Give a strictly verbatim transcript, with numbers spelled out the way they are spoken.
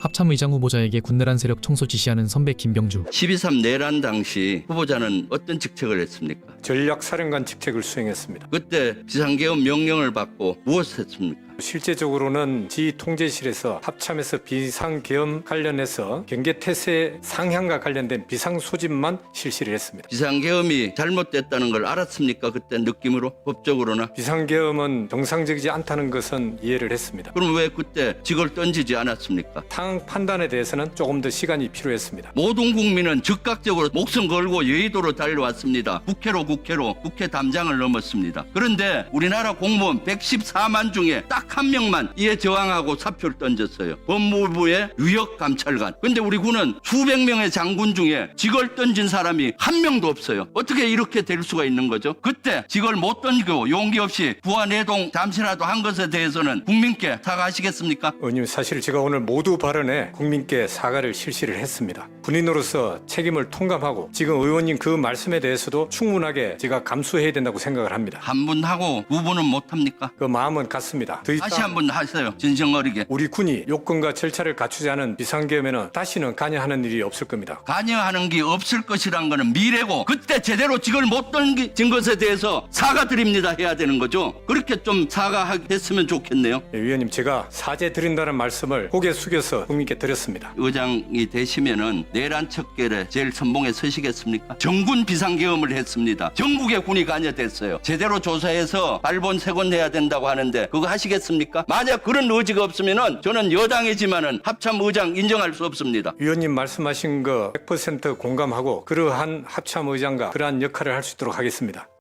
합참의장 후보자에게 군내란 세력 청소 지시하는 선배 김병주. 십이 삼 내란 당시 후보자는 어떤 직책을 했습니까? 전략사령관 직책을 수행했습니다. 그때 비상계엄 명령을 받고 무엇을 했습니까? 실제적으로는 지휘통제실에서 합참에서 비상계엄 관련해서 경계태세 상향과 관련된 비상소집만 실시를 했습니다. 비상계엄이 잘못됐다는 걸 알았습니까? 그때 느낌으로 법적으로나? 비상계엄은 정상적이지 않다는 것은 이해를 했습니다. 그럼 왜 그때 직을 던지지 않았습니까? 상황 판단에 대해서는 조금 더 시간이 필요했습니다. 모든 국민은 즉각적으로 목숨 걸고 여의도로 달려왔습니다. 국회로 국회로 국회 담장을 넘었습니다. 그런데 우리나라 공무원 백십사만 중에 딱 한 명만 이에 저항하고 사표를 던졌어요. 법무부의 유역감찰관. 근데 우리 군은 수백 명의 장군 중에 직을 던진 사람이 한 명도 없어요. 어떻게 이렇게 될 수가 있는 거죠? 그때 직을 못 던지고 용기 없이 부하내동 잠시라도 한 것에 대해서는 국민께 사과하시겠습니까? 의원님, 사실 제가 오늘 모두 발언에 국민께 사과를 실시를 했습니다. 군인으로서 책임을 통감하고 지금 의원님 그 말씀에 대해서도 충분하게 제가 감수해야 된다고 생각을 합니다. 한 분 하고 두 분은 못합니까? 그 마음은 같습니다. 더 다시 이상 한 번 하세요. 진정어리게. 우리 군이 요건과 절차를 갖추지 않은 비상계엄에는 다시는 관여하는 일이 없을 겁니다. 관여하는 게 없을 것이란 거는 미래고 그때 제대로 직을 못 던진 것에 대해서 사과드립니다 해야 되는 거죠. 그렇게 좀 사과했으면 좋겠네요. 예, 위원님, 제가 사죄 드린다는 말씀을 고개 숙여서 국민께 드렸습니다. 의장이 되시면은 내란 척결에 제일 선봉에 서시겠습니까? 정군 비상계엄을 했습니다. 전국의 군이 관여됐어요. 제대로 조사해서 발본 세곤해야 된다고 하는데 그거 하시겠습니까? 만약 그런 의지가 없으면은 저는 여당이지만은 합참 의장 인정할 수 없습니다. 위원님 말씀하신 거 백 퍼센트 공감하고 그러한 합참 의장과 그러한 역할을 할 수 있도록 하겠습니다.